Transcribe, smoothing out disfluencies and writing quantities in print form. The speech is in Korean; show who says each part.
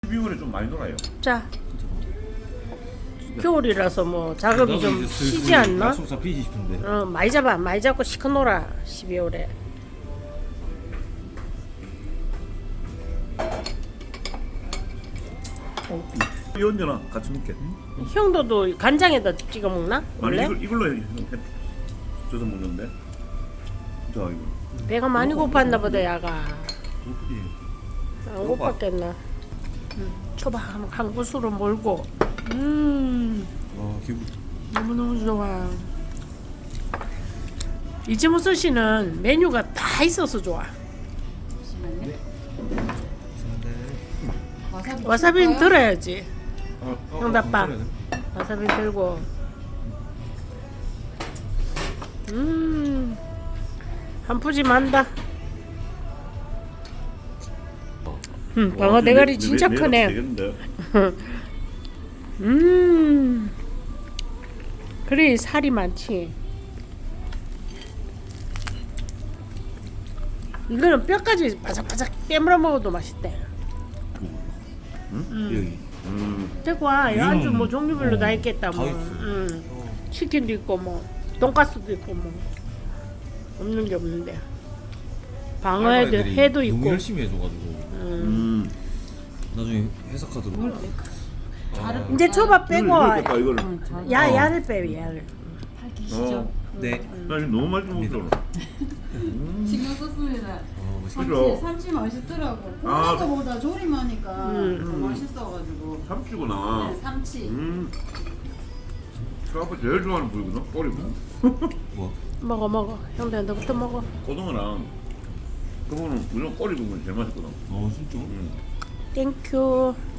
Speaker 1: 12월에 좀 많이 놀아요.
Speaker 2: 자, 겨울이라서 뭐 작업이 좀 쉬지 않나?
Speaker 3: 약속 잡히지 싶은데.
Speaker 2: 많이 잡아, 많이 잡고 시커 놀아 12월에.
Speaker 1: 이 언제나 같이 먹게.
Speaker 2: 형도도 간장에다 찍어 먹나?
Speaker 1: 아니
Speaker 2: 원래?
Speaker 1: 이걸로 쪄서 먹는데. 자 이거.
Speaker 2: 배가 많이 고팠나 보다 야가.
Speaker 1: 그렇지.
Speaker 2: 안 고팠겠나? 초밥 한 구수로 몰고.
Speaker 3: 기분.
Speaker 2: 너무너무 좋아. 이지무스 씨는 메뉴가 다 있어서 좋아. 와사비는 들어야지. 형답밥. 와사비 들고. 한 푸짐한다. 방어 대가리 진짜 크네.
Speaker 1: 되겠는데.
Speaker 2: 그래 살이 많지. 이거는 뼈까지 바삭바삭 깨물어 먹어도 맛있대.
Speaker 3: 여기.
Speaker 2: 대구야, 이 안주 뭐 종류별로 다
Speaker 3: 다
Speaker 2: 있겠다 뭐.
Speaker 3: 있어.
Speaker 2: 치킨도 있고 뭐 돈가스도 있고 뭐 없는 게 없는데. 방어에도
Speaker 3: 애들이
Speaker 2: 회도
Speaker 3: 너무
Speaker 2: 있고.
Speaker 3: 열심히 해줘가지고 나중에 회사 카드로.
Speaker 2: 이제 초밥 빼고
Speaker 1: 이걸 뺄까, 이거를?
Speaker 2: 야를 빼 야를.
Speaker 3: 네.
Speaker 1: 나 이거 너무 맛있게 먹더라.
Speaker 4: 신경 썼습니다.
Speaker 1: 그죠?
Speaker 4: 삼치 맛있더라고.
Speaker 1: 아.
Speaker 4: 굽는 거보다 조림하니까 더 맛있어가지고.
Speaker 1: 삼치구나.
Speaker 4: 네, 삼치.
Speaker 1: 저 아빠 제일 좋아하는 부위거든. 꼬리고.
Speaker 3: 뭐?
Speaker 2: 먹어. 형들 너부터 먹어.
Speaker 1: 고등어랑 그거는 무조건 꼬리 부분이 제일 맛있거든.
Speaker 3: 진짜?
Speaker 2: 땡큐.